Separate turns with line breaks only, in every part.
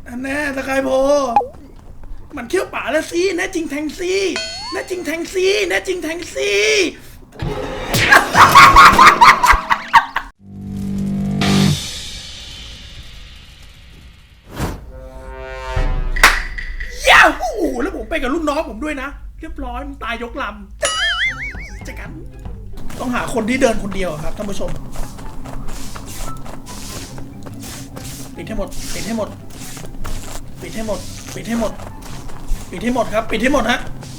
อันแน่สกายโพมันเขี้ยวป่าแล้วสิแน่จริงแทงซีแน่จริงแทงซีแน่จริงแทงซีย้าวโอ้โหแล้วผมไปกับลูกน้องผมด้วยนะเรียบร้อยมันตายยกลำจะกันต้องหาคนที่เดินคนเดียวครับท่านผู้ชมปิดให้หมดปิดให้หมดปิดให้หมดปิดให้หมดปิดให้หมดครับปิดให้หมดฮะ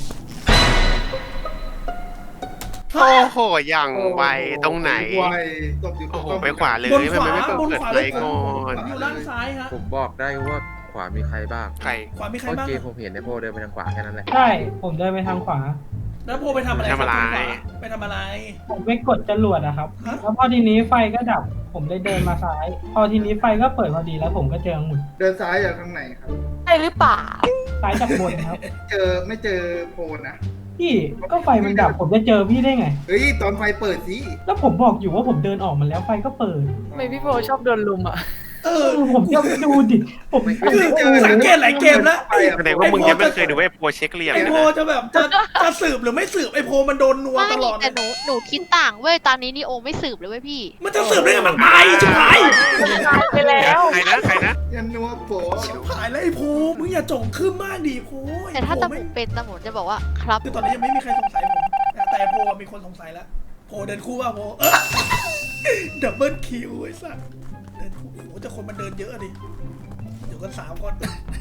โอ้โหอย่างไวตรงไหนโอ้โหไปขวาเลย
บน
ไม่
ขวา
ไม่
บน
เปิด
ขวา
เล
เลย
ยก่อน
อยู่ด้านซ้ายฮะ
ผมบอกได้ว่าขวามีใครบ้าง
ใคร
ขวามีใคร
เพราะ
บ้าง
เกมผมเห็นในโพลเดินไปทางขวาแค่นั้นแหละ
ใช่ผมเดินไปทางขวา
แล้วโพไปทำอะไรไปทำอะไร
ผมไปกดจรวดอะครับ
ฮะ
แล้วพอทีนี้ไฟก็ดับ ผมเลยเดินมาซ้าย พอทีนี้ไฟก็เปิดพอดีแล้วผมก็เจอองุ่น
เดินซ้ายจากทางไหนครับ
ใช่หรือเปล่า
ซ้ายจากบนครับ
ไม่เจอโพลนะ
พี่ก็ไฟมันดับผมจะเจอพี่ได้ไง
เฮ้ยตอนไฟเปิดสิ
แล้วผมบอกอยู่ว่าผมเดินออกมาแล้วไฟก็เปิด
ทำไมพี่โพชอบโดนลุมอ่ะ
ผมจะดูดิผม
คือสังเกตหลายเกมแล้ว
แสดงว่ามึงยังไม่เคยดูไอ้โปรเช็คเหลี่ยม
ไอ
นะ
โพจะแบบจะสืบหรือไม่สืบไอโพมันโดนนัว
ไม่
ตลอด
แต่หนูคิดต่างเว้ยตอนนี้นี่โอไม่สืบเลยเว้ยพี่
มันจะสืบได้ไงมันตายชิบหาย
ไปแล้ว
ใครนะใครนะ
ยันนัวโผ
ชิบหายแล้วไอโพมึงอย่าจงขึ้นมากดิโพ
แต่ถ้าตำรวจเป็นตำรวจจะบอกว่าครับ
คือตอนนี้ยังไม่มีใครสงสัยผมแต่โพมีคนสงสัยแล้วโพเดินคู่ว่าโพดับเบิลคิวไอ้สัสเดินคู่โอ้โหแต่คนมันเดินเยอะดิอยู่กัน3 คน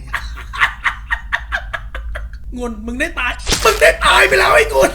งุนมึงได้ตายไปแล้วไอ้งุน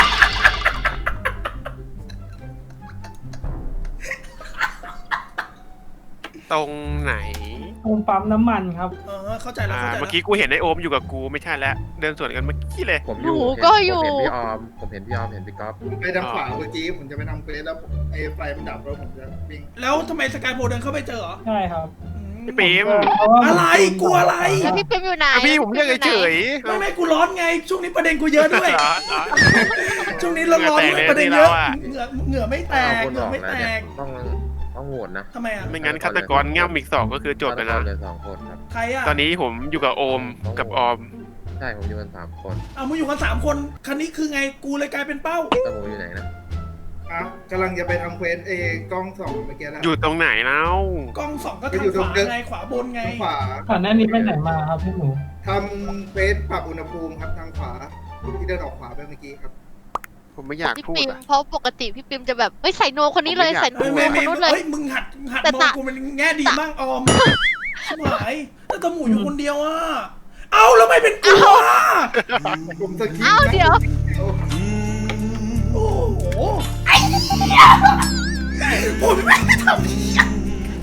ตรงไหน
ตรงปั๊มน้ำมันครับ
เข้าใจแล้วเข้าใจแล้ว
เมื่อกี้กูเห็นไอ้โอมอยู่กับกูไม่ใช่แล้วเดินสวนกันเมื่อกี้เลย
ผมอยู่
หนูก็อยู่
ผมเห็นพี่ออมผมเห็นพี่ออมเห็นพี่ก๊อฟ
ผมไปทางขวาเมื่อกี้ผมจะไปทำเควสแล้วไอ้ไฟมันดับแล้วผมจะวิ่ง
แล้วทำไมสกายโพเดินเข้าไปเจอเหรอ
ใช่ครับ
พี่ปิม
เพราะว่าผม
อะไรกลัวอะไร
แล้วพี่เปรมอยู่ไหน
อ่ะพี่ผมเรียกเฉย
ไม่กูร้อนไงช่วงนี้ประเด็นกูเยอะด้วย
เหรอ
ช่วงนี้ร้อนๆด้วยประเด็นเยอะเหงื่อไม่แต
เอา
ก
คน
เหงื่
อ
อ
อก
ไม่
แล้ว
แต
เนี่ย
ก
ต้องโหวตนะ
ทำไมอ่ะ
ไม่งั้นฆาตกรง่ำอีก2ก็คือจบไป
ฆา
นะ
ตกรเหลือ2 คนครับ
ใครอ่ะ
ตอนนี้ผมอยู่กับโอมกับออม
ใช่ผมอยู่กัน3 คน
เอามึงอยู่กัน3 คนคันนี้คือไงกูเลยกลายเป็นเป้า
ตะหมูอยู่ไหนนะ
อ่ะกำลังจะไปทำเควสกล้องส่องเมื่อกี้แล้ว
อยู่ตรงไหนแล้ว
กล้อง2ก็ทางขวาไงขวาบนไง
ทางขวา
ก่อนหน้านี้ไปไหนมาครับพี่หมู
ทำเควสปรับอุณหภูมิครับทางขวาที่เดินออกขวาไปเมื่อกี้ครับ
ผมไม่อยาก
พี่
พูด
ปิม
อ่ะ
เพราะปกติพี่ปิมจะแบบเฮ้ยใส่โนคนนี้เลย
ผมไม่อยาก
ใส่โน
ไม่
คนนู้นเลย
เฮ้ยมึงหัด
แต่
มอง
ตะ
กูเป็นแง่ดีมั่งออมชิบหายแต่ตะหมูอยู่คนเดียวอ่ะเอ้าแล้วไม่เป็นกูอ่ะ
ผมสกิป
เอ้าเดี๋ยว
โอ้โหไอ้เนี่ยผมไม่ได้ทำเหี้ย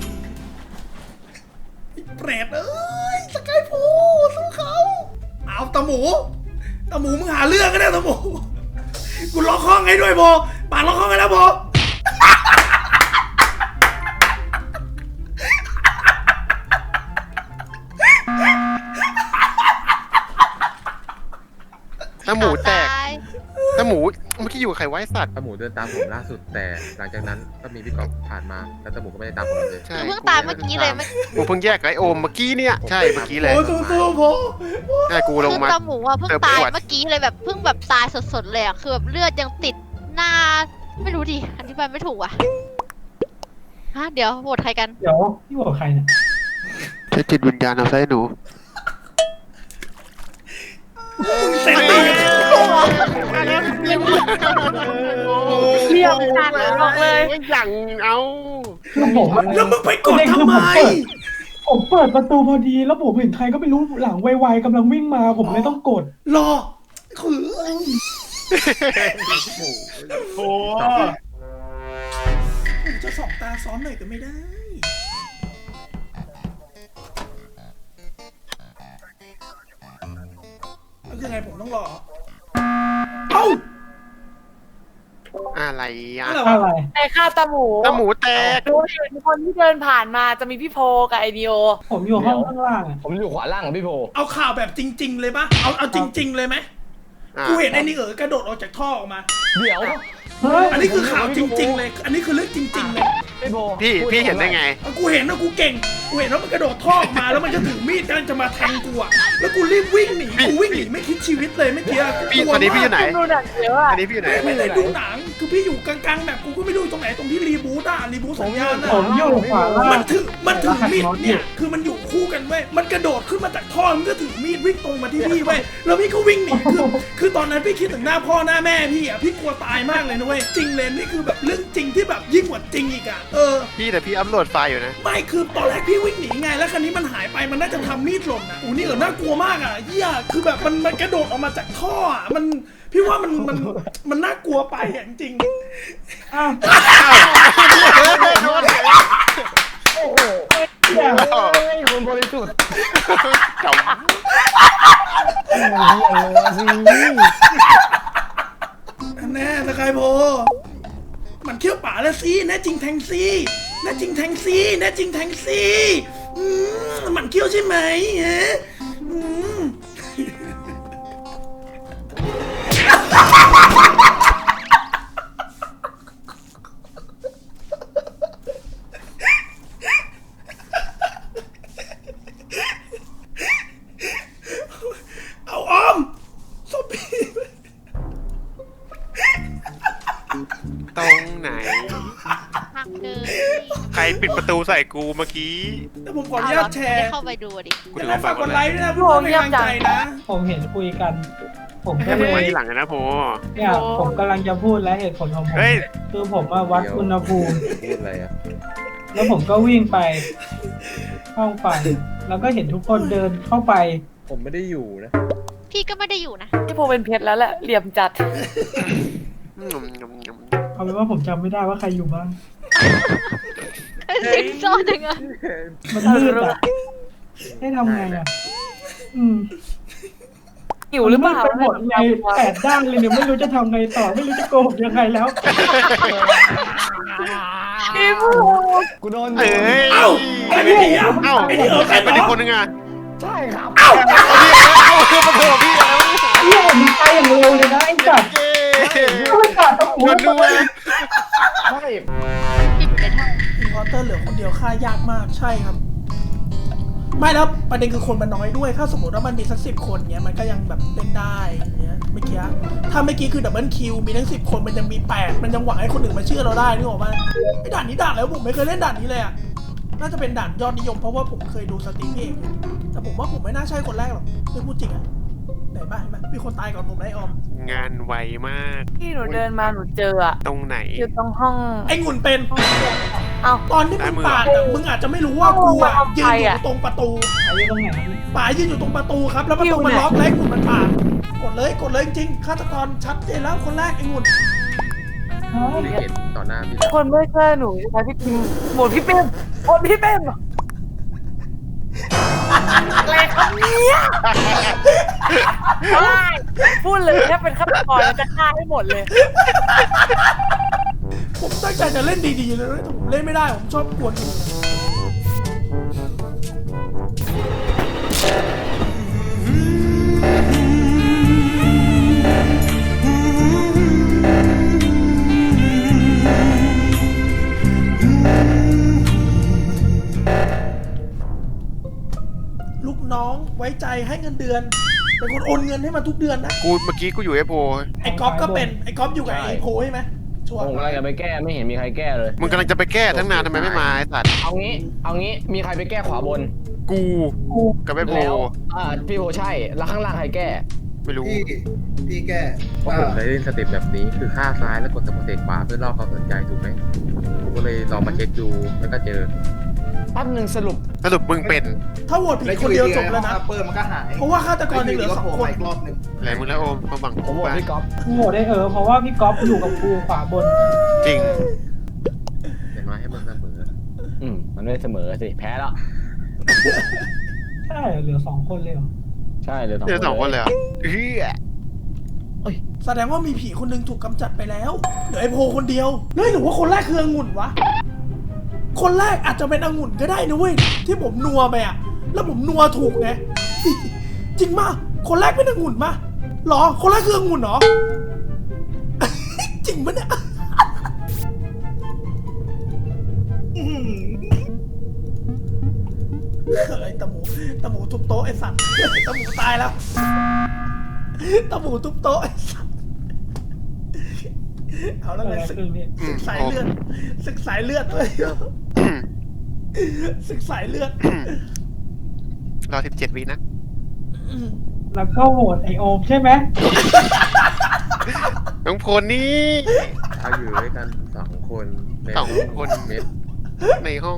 ไอ้เปรตเอ้ยสกายโพสู้เขาเอาตะหมูมึงหาเรื่องกันเนี่ยตะหมูกูล็อกห้องให้ด้วยโบป่าล็อกห้องให้แล้วโบ
ถ้าหมูแตก
ตาย
ถ้าหมูเมื่อกี้อยู่กับใครไว้สัตว์
ตะหมูเดินตามผมล่าสุดแต่หลังจากนั้นก็มีพี่ก๊อฟผ่านมาแล้วตะหมูก็ไม่ได้ตามผมเลย
ใช่
เพิ่งตายเมื่อกี้เลย
กูเพิ่งแยกกับไอ้โอมเมื่อกี้เนี่ยใช่เมื่อกี้เลย
โอ้สู้โบ
ใช่กูลง
คือ
มา
ตาหมูอ่ะเพิ่ง
เติม
ตาย
ขวด
เมื่อกี้เลยแบบเพิ่งแบบตายสดๆเลยอ่ะคือแบบเลือดยังติดหน้าไม่รู้ดิอธิบายไม่ถูกอ่ะฮะเดี๋ยวโหวตใครกัน
เดี๋ยวพี่บอกใครเนี่ย
ใช้จิตวิญญาณเอาใส่หนู
เสร็จเลย
เรียบจัดบอกเลย
อย่างเอา
คือผมอะ
แล้วมึงไปกดทำไม
ผมเปิดประตูพอดีแล้วผมเห็นใครก็ไม่รู้หลังไวๆกำลังวิ่งมาผมเลยต้องกด
รอคือ
โอ้
จะสองตาซ้อนหน่อยก็ไม่ได้แล้วคือไงผมต้องรอเอ้า
อะไรอ่ะ
อะไร
อะไร
วะ
ไอ้ข้าวตาหมู
ถ้าหมูแตก
ดูเห็นคนที่เดินผ่านมาจะมีพี่โพกับไอเดีย
ผมอยู่ห้องข้างล่างอะ
ผมอยู่ขวาล่างของพี่โพ
เอาข่าวแบบจริง ๆ เลยปะเอาจริง ๆ เลยไหมกูเห็นไอ้นี่กระโดดออกจากท่อออกมา
เดี๋ยว
เฮ้ย
อันนี้คือข่าวจริง ๆ เลย อันนี้คือเรื่องจริง ๆ เลย
พี่โพ
พี่เห็นได้ไง
เอากูเห็นนะกูเก่งกูเห็นว่ามันกระโดดท่อออกมาแล้วมันจะถือมีดกำลังจะมาแทงกูอะแล้วกูรีบวิ่งหนีกูวิ่งหนีไม่คิดชีวิตเลยเมื่อกี้
พี่ตอนนี้พี่อยู่ไหน
ดูหนังเยอะอะ
อันนี้พี่อยู่ไหน
ไม่ได้ดูหนังคือพี่อยู่กลางๆแบบกูก็ไม่รู้ตรงไหนตรงที่รีบูตสัญญาณอะ
ผมอยู่ขวาล่าง
มันถือมีดเนี่ยคือมันอยู่คู่กันเว้ยมันกระโดดขึ้นมาจากท่อมันก็ถือมีดวิ่งตรงมาที่พี่เว้ยแล้วพี่ก็วิ่งหนีคือตอนนั้นพี่คิดถึงหน้าพ่อหน้าแม่พี่อ่ะพี่กลัวตายมากเลยนะเว้ยจริงเลยนี่คือแบบเรื่องจริงที่แบบยิ่งกว่าจริงอีกอ่ะ
พี่แต่พี่อัพโหลดไฟล์อยู่นะ
ไม่คือตอนแรกพี่วิ่งหนีไงแล้วคราวนี้มันหายไปมันน่าจะทำมีดหล่นอ่ะนี่น่ากลัวมากอ่ะเหี้ยคือแบบมันกระโดดออกมาจากท่ออ่ะพี่ว่ามันน่ากลัวไปอ่ะจริง
อ้าว
คนบริสุทธิ์
จบ
แน่สกายโพมันเขี้ยวป่าแล้วสิแน่จริงแทงซีแน่จริงแทงซีแน่จริงแทงซีมันเขี้ยวใช่ไหมฮะเอาออมซอมบี้
ตรงไหน
ทางเดิน
ใครปิดประตูใส่กูเมื่อกี้
แล้วผมขออนุญาตแชร์
เข้าไปดูดิ
กู
อย่า
ถือ
ลืม
ว่า
ฝา
ฝาก ก
ก
ก
ด
ด
ไล
ไล
ค์
ค์
ด้วยนะเพื่อเป็นกำลังใจนะ
ผมเห็นคุยกัน ผมก็
ให้
เล
ผมมาย ทีหลังนะโพ
เนี่ยผมกำลังจะพูดและเหตุผลของผม
เฮ้ย
คือผมมาวัดอุณหภูมิ
พูดอะไรอ่ะ
แล้วผมก็วิ่งไปห้องไฟแล้วก็เห็นทุกคนเดินเข้าไป
ผมไม่ได้อยู่นะ
พี่ก็ไม่ได้อยู่นะ
พี่โพเป็นเพชรแล้วแหละเหลี่ยมจัด
เอาเป็นว่าผมจำไม่ได้ว่าใครอยู่บ้าง
สิงซ่อนยังไง
มันมืดอ่ะให้ทำไงอ่ะ
หิวหรือเปล่า
มันมืดไปหมดไง8 ด้านเลยเนี่ยไม่รู้จะทำไงต่อไม่รู้จะโกหกยังไงแล้ว
พี่โพ
กูโดน
เอ้ย
เอ้าใครไม่หนีอ่ะ
เอ้า
ไอ้นี่ใคร
เป็นอีกคนนึงอ่ะ
ใช่ครับ
เอ้า
เอาคือมาโผล่พี่แล้ว
เฮียผมไปอย่างเร็วเลยนะไอ้สัตว์ ไม่ขาดตะปู
ชวนด้วย
ใช่
ปิดไปทาง
อินพอร์เตอร์เหลือคนเดียวฆ่ายากมากใช่ครับ ไม่แล้วประเด็นคือคนมันน้อยด้วย ถ้าสมมติว่ามันมีสัก10 คนเนี้ยมันก็ยังแบบเล่นได้อย่างเงี้ยเมื่อกี้ถ้าเมื่อกี้คือดับเบิลคิวมีทั้ง10 คนมันยังมี8มันยังหวังให้คนอื่นมาเชื่อเราได้นึกออกปะไอ้ด่านนี้ด่านแล้วผมไม่เคยเล่นด่านนี้เลยอ่ะน่าจะเป็นด่านยอดนิยมเพราะว่าผมเคยดูสตรีมพี่เองแต่ผมว่าผมไม่น่าใช่คนแรกหรอกไม่พูดจริงอ่ะไหนบ้างมีคนตายก่อนผมนะไอ้ออม
งานไวมาก
พี่หนูเดินมาหนูเจออะ
ตรงไหน
อยู่ตรงห้อง
ไอ้งุ่นเป็น
เอ้า
ตอนที่มึงปาดอะมึงอาจจะไม่รู้ว่ากูอะยืนอยู่ตรงประตู
อายุตรงไหน
ป่ายืนอยู่ตรงประตูครับ แล้วประตูมันล็อกแล้วไอ้งุ่นมันปาดกดเลยจริงฆาตกรชัดเจนแล้วคนแรกไอ้งุ่น
ไม่เห็นต่อหน้าพี่
คนไม่เชื่อหนูใช่พี่พิมหมดพี่เป้มหมดพี่เป้มอะไรครับเนี่ยพูดเลยถ้าเป็นฆาตกรจะฆ่าให้หมดเลย
ผมตั้งใจจะเล่นดีๆเลยนะแต่ผมเล่นไม่ได้ผมชอบกวนอยู่ลูกน้องไว้ใจให้เงินเดือน เป็นคนโอนเงินให้มันทุกเดือนนะ
เมื่อกี้กูอยู่ไอโพ
ไอ้ก๊อฟก็เป็นไอ้ก๊อฟอยู่กับไอ้โพใช่ไหมชัวร์
ผมกำลังจะไปแก้ไม่เห็นมีใครแก้เลย
มึงกำลังจะไปแก้ทั้งนานทำไมไม่มาไอ้สัตว์
เอางี้มีใครไปแก้ขวาบน
กูกับไอโพ
แล้วพี่โพใช่แล้วข้างล่างใครแก้
ไม่รู้
พี่แก้
เพราะผมเคยเล่นสเต็ปแบบนี้คือฆ่าซ้ายแล้วกดสมุดเตะขวาเพื่อล่อความสนใจถูกไหมผมก็เลยลองมาเช็คดูแล้วก็เจอ
แป๊บหนึ่งสรุป
สรุปมึงเป็น
ถ้าโหวตผิดคนเดียวจบแล้วนะ
เปิดมันก็หาย
เพราะว่าฆาตกรยังเหลือ2 คน
อีกรอบหนึ่ง
อะไรมึงแล้วโอมมาบัง
ผมบอกพี่ก๊อฟ
โหได้เพราะว่าพี่ก๊อฟอยู่กับกูขวาบน
จริง
อย่างน้อยให้มันเสมอ
มันไม่เสมอสิแพ้แล้ว
ใช่เหลือ2 คนเลยเหรอ
ใช่เหลย
เจอ2 คนเลยเหรอเฮ้ย
แสดงว่ามีผีคนหนึงถูกกำจัดไปแล้วเหลือไอ้โพคนเดียวเฮ้ยหรือว่าคนแรกคือองุ่นวะคนแรกอาจจะเป็นองุ่นก็ได้นะเว้ยที่ผมนัวไปอะแล้วผมนัวถูกไง จริงมากคนแรกเป็นองุ่นมะหรอคนแรกคือองุ่นเหรอ จริงปะเนี่ย
อื้อหือ
โต๊ะไอ้สัตว์ตะหมูตายแล้วตะหมูทุบโต๊ะไอ้สัตว์เอาแล้วไงศึก
อืม
สายเลือดศึกสายเลือดเลยศึกสายเลือด
รอ17 วินะ
แล้วก็โหวตไอโอมใช่ไหม
น้องพลนี่
เราอยู่ด้วยกัน2 คนใน
สองคน
เม็ด
ในห้อง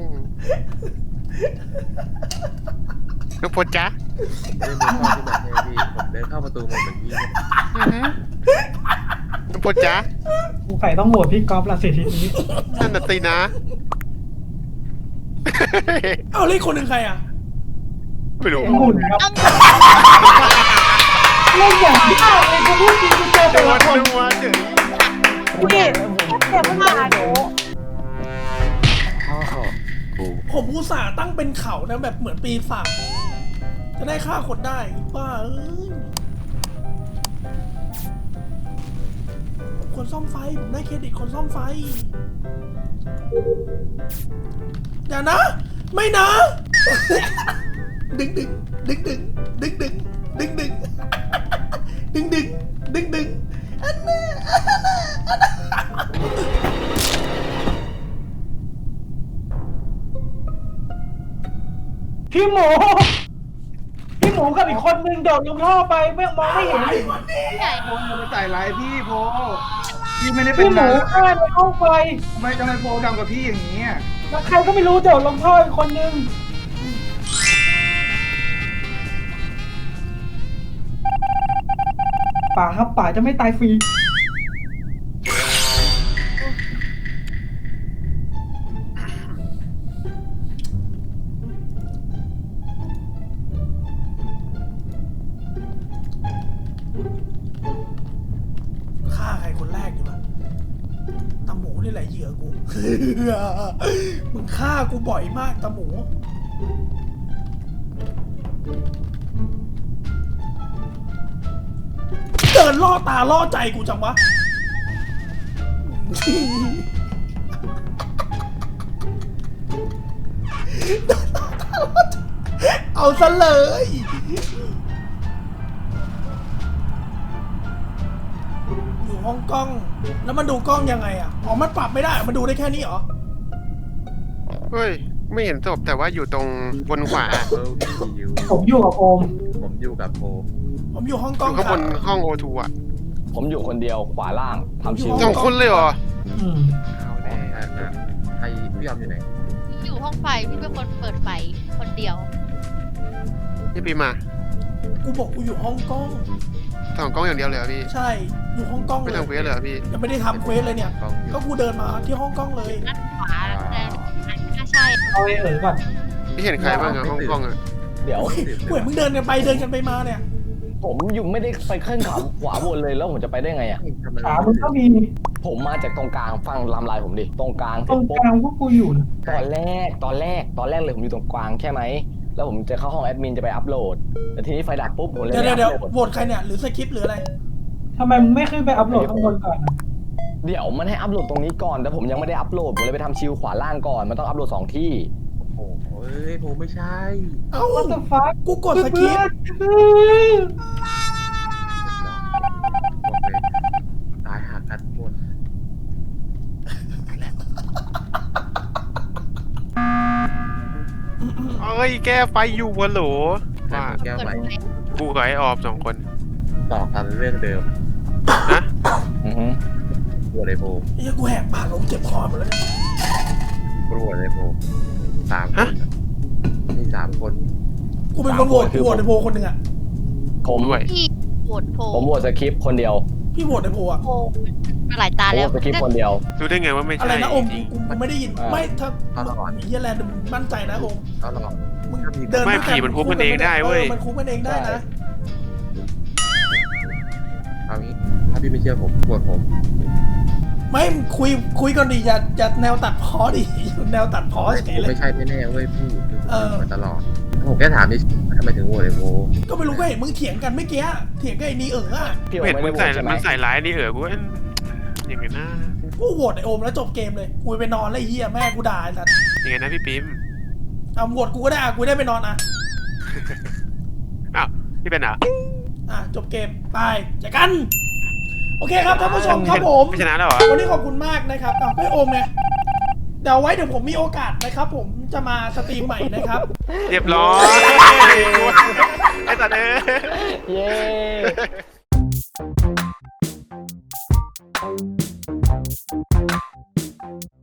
น้องพลจ๊ะ
ไม่ได้มีข้อที่มาให้พี่ผมเดินเข้าประตูมาเหมือนพี่
อือหือน้องพลจ๊ะ
กูใส่ต้องโหวตพี่ก๊อฟละสิทีนี้
นั่นน่ะสินะ
เอาเลขคนหนึ่งใครอ่ะ
ไม่รู้
หุ่นครับเล่นอย่างยากเลยกูพูดจริงกูเจอ
โด
แต่ละ
น
คน
นัวเฉย
พี่เจ็บมากหนู
พ่อกู
ผมอุตส่าห์ตั้งเป็นเขานะแบบเหมือนปีศาจจะได้ฆ่าคนได้บ้าเอ้ยคนซ่อมไฟผมได้เครดิตคนซ่อมไฟอย่านะ ไม่นะ ดึงดึงดึงดึงดึงดึงดึงดึงดึงดึงดึงดึงอันน่ะอันน่ะอันน่ะ
พี่หมูกับอีกคนนึงโดดลงท่อไปไม่มองไม่เห็น
ที่ไหน
โพอย่าไปใส่ร้ายพี่โพพี่ไม่ได้เป็
พี่
น
หมูฆ่าในห้องไฟ
ทำไมโพทำกับพี่อย่างนี้อะ
แล้วใครก็ไม่รู้โดดลงท่ออีกคนนึงป่าครับป่าจะไม่ตายฟรี
ฆ่าใครคนแรกดีวะตาหมูนี่แหละเหยื่อกู มึงฆ่ากูบ่อยมากตาหมู เดินล่อตาล่อใจกูจังวะ เอาซะเลย อยู่ห้องกล้อง แล้วมันดูกล้องยังไงอ่ะ อ๋อ มันปรับไม่ได้ มันดูได้แค่นี้เหรอ
เฮ้ย ไม่เห็นศพแต่ว่าอยู่ตรงบนขวา
เออพี่อยู่
ผมอยู่กับโอม
ผมอยู่กับโพ
ผมอยู่ห้องก
อ
ล้อง
ยู่ข้าง
ค
บ
รับ
นห้องโอทูอ่ะ
ผมอยู่คนเดียวขวาล่างทำชิว
สองคนเลยเหรอ
อืม
เอาแน่
ใครพี่ยอมอยู่ไหน
อยู่ห้องไฟพี่เป็นคนเปิดไฟคนเดียว
พี่ปีมา
กูบอกกูอยู่ห้องกล้อง
ส่องกล้องอย่างเดียวเลยเหรอพี่
ใช่ อยู่ห้องกล้อง
ไม่
เลย
ทำเควสเลยเหรอพี่
ยังไม่ได้ทำเควสเลยเนี่ย
กล้องอยู่
ก็กูเดินมาที่ห้องกล้องเลย
ด้านขวาแต่น่าใช่
เอาไอ้ก่อน
พี่เห็นใครบ้างอะห้องกล้องอะ
เดี๋ยว
เหมือนมึงเดินกันไปเดินกันไปมาเนี่ย
ผมอยู่ไม่ได้ไปขึ้นขวาบนเลยแล้วผมจะไปได้ไงอ่ะ
ทำไม
ขามึงก็มี
ผมมาจากตรงกลางฟังลำลายผมดิตรงกลาง
ตรงกลางพวกกูอยู่นะ
ตอนแรกเลยผมอยู่ตรงกลางแค่ไหมแล้วผมจะเข้าห้องแอดมินจะไปอัพโหลดแต่ทีนี้ไฟดับปุ๊บผมเลย
เดี๋ยว
ไม่
เดี๋ยว
อัพโหลด
โหวตใครเนี่ย หรือสคริปต์หรืออะไร
ทำไมมึงไม่ขึ้นไปอัพโหลดข้างบนก่อนอะ
เดี๋ยวมันให้อัพโหลดตรงนี้ก่อนแต่ผมยังไม่ได้อัพโหลดผมเลยไปทำชิลขวาล่างก่อนมันต้องอัพโหลด2 ที่
โอ้โหเอ้ยโพไม่ใช่
เอ้า
What the fuck
กูกดสคริปต์
บอกเลยตายหากันหมด
เอ้ย แก้ไฟอยู่วะโหล
ใคร
ว่า
เป็นแก้ว
เปิด
ไหล
ไฟ
กูกับไอ้ออบ2 คน
ต่อกันเรื่องเดิม
ฮะ
อือฮึ
ปวดไอโพ
ไอ้เหี้ยกูแหกปากลงเจ็บคอหมดแล้วเนี่ย
ปวดไอโพ3 คนนี่3 คน
กูเป็นคนโหวตกูโหวตในโพลคนหนึ่งอ่ะ
ผม
ด้วย
พี่โหวตโพ
ผมโหวตสคริปต์คนเดียว
พี่โหวตในโพลอ่ะ
โพมาหลายตา
ผมโห
แล้ว
วตสคริปต์คนเดียว
รู้ได้ไงว่าไม่
อะไร
ใช่
นะโอม
จริง
กูไม่ได้ยิน
อ่า
ไม่ถ้าเฮียแลนด์มึงมั่นใจนะโอม
ก็รอ
มึงเดิน
ไม่ผีมันคุบกันเองได้เว้ย
มันคุบกันเองได้นะ
เอางี้ถ้าพี่ไม่เชื่อผมปวดผม
ไม่คุยก่อนดิอย่าแนวตัดพ้อดิ แนวตัดพ้อเฉยเลย
ไม่ใช่แน่ๆเว้ยพี่คือ
เออ
มาตลอดผมแค่ถามนี่ทำไมถึงโหวตไอโพ
ก็ไม่รู้ก็เห็นมึงเถียงกันไม่เกี้เถียงกับไอ้นี่อ่ะ
พี่โอ
เห็น
ไม่
มึ
ได้
ง
โหวตใช่ไหม
มันใส่ร้ายนี่กูเอ้ยยังไงนะ
กูโหวตไอโอมแล้วจบเกมเลยกูไปนอนแล้วไอ้เฮียแม่กูด่าไอ้สัส
ยังไงนะพี่ปิ๊ม
เอาโหวตกูก็ได้อ่ะกูได้ไปนอนอ่ะ
พี่เป็นเหรอ
จบเกมไปเจอกัน โอเคครับท่านผู้ชมครับผม
ไม่ชนะแล้วเหรอ
วันนี้ขอบคุณมากนะครับไม่โอมไงเดี๋ยวผมมีโอกาสนะครับ ผมจะมาสตรีมใหม่นะครับ
เรียบร้อยไอ้สัตว์เอ้ย
เย้